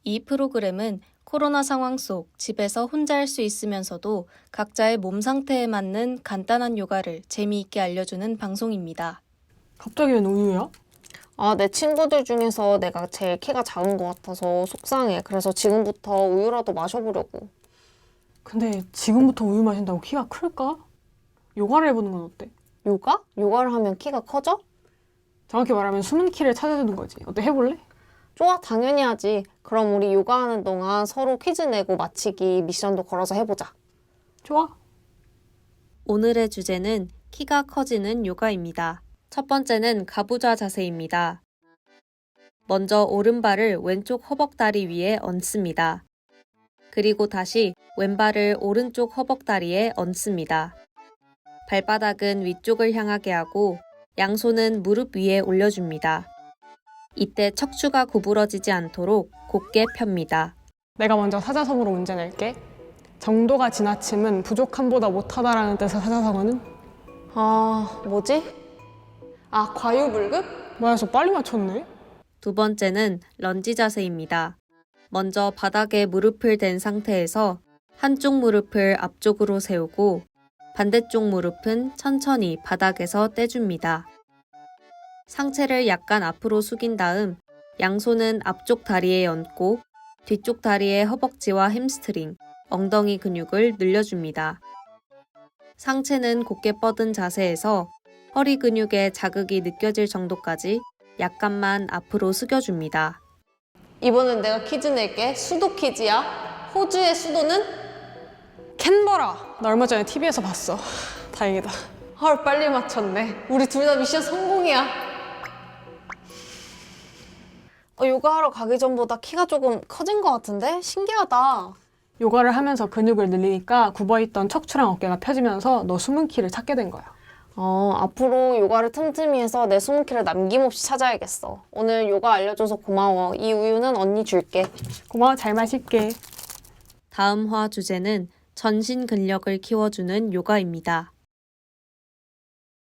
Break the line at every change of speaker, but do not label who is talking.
이 프로그램은 코로나 상황 속 집에서 혼자 할 수 있으면서도 각자의 몸 상태에 맞는 간단한 요가를 재미있게 알려주는 방송입니다.
갑자기 웬 우유야?
내 친구들 중에서 내가 제일 키가 작은 것 같아서 속상해. 그래서 지금부터 우유라도 마셔보려고.
근데 지금부터 우유 마신다고 키가 클까? 요가를 해보는 건 어때?
요가? 요가를 하면 키가 커져?
정확히 말하면 숨은 키를 찾아주는 거지. 어때, 해볼래?
좋아, 당연히 하지. 그럼 우리 요가하는 동안 서로 퀴즈 내고 맞히기 미션도 걸어서 해보자.
좋아.
오늘의 주제는 키가 커지는 요가입니다. 첫 번째는 가부좌 자세입니다. 먼저 오른발을 왼쪽 허벅다리 위에 얹습니다. 그리고 다시 왼발을 오른쪽 허벅다리에 얹습니다. 발바닥은 위쪽을 향하게 하고 양손은 무릎 위에 올려줍니다. 이때 척추가 구부러지지 않도록 곧게 펴니다.
내가 먼저 사자성어로 문제 낼게. 정도가 지나침은 부족함보다 못하다라는 뜻의 사자성어는?
뭐지? 과유불급?
뭐야, 빨리 맞췄네?
두 번째는 런지 자세입니다. 먼저 바닥에 무릎을 댄 상태에서 한쪽 무릎을 앞쪽으로 세우고 반대쪽 무릎은 천천히 바닥에서 떼줍니다. 상체를 약간 앞으로 숙인 다음 양손은 앞쪽 다리에 얹고 뒤쪽 다리의 허벅지와 햄스트링, 엉덩이 근육을 늘려줍니다. 상체는 곧게 뻗은 자세에서 허리 근육에 자극이 느껴질 정도까지 약간만 앞으로 숙여줍니다.
이번엔 내가 퀴즈 낼게. 수도 퀴즈야. 호주의 수도는?
캔버라! 나 얼마 전에 TV에서 봤어. 다행이다.
헐, 빨리 맞췄네. 우리 둘 다 미션 성공이야. 요가하러 가기 전보다 키가 조금 커진 것 같은데? 신기하다.
요가를 하면서 근육을 늘리니까 굽어있던 척추랑 어깨가 펴지면서 너 숨은 키를 찾게 된 거야.
앞으로 요가를 틈틈이 해서 내 숨은 키를 남김없이 찾아야겠어. 오늘 요가 알려줘서 고마워. 이 우유는 언니 줄게.
고마워, 잘 마실게.
다음 화 주제는 전신 근력을 키워주는 요가입니다.